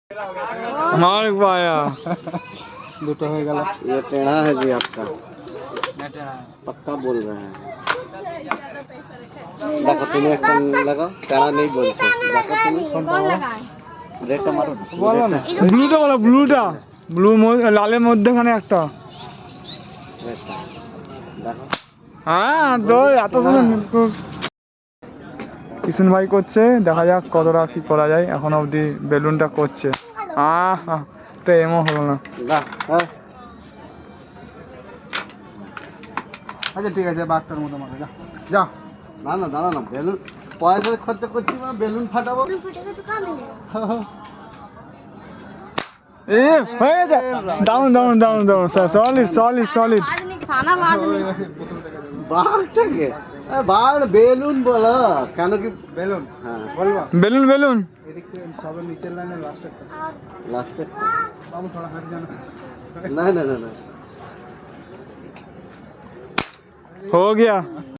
मार पाया दुटा हो गया। ये टेढ़ा है जी आपका, पक्का बोल रहे हैं। देखो तुम्हें एक लगाओ, टेढ़ा नहीं बोलते। देखो तुम्हें रेडটা মারো না, বলো না। ব্লুটা বলো, ব্লুটা ব্লু লালের মধ্যখানে একটা। রেডটা দেখো। হ্যাঁ তো এত সুন্দর কিষণ ভাই করছে, দেখা যাক কতটা কি করা যায়। এখন অবধি বেলুনটা করছে। তো এমও হলো না। বাহ, হ্যাঁ আচ্ছা ঠিক আছে, বাচ্চার মতো মারো, যা যা। না না দাঁড়া না, বেলুন পয়সা খরচা করছি না, বেলুন ফাটাবো। এ হয়ে গেছে, down down down down, solid solid solid. বাঘটাকে বাঘ বেলুন বলো কেন, কি বেলুন হ্যাঁ বলবা? বেলুন বেলুন এদিক থেকে সবের নিচের লাইনে লাস্টেরটা। লাস্টে বাবু থোড়া হাট জানা। না না না না हो गया।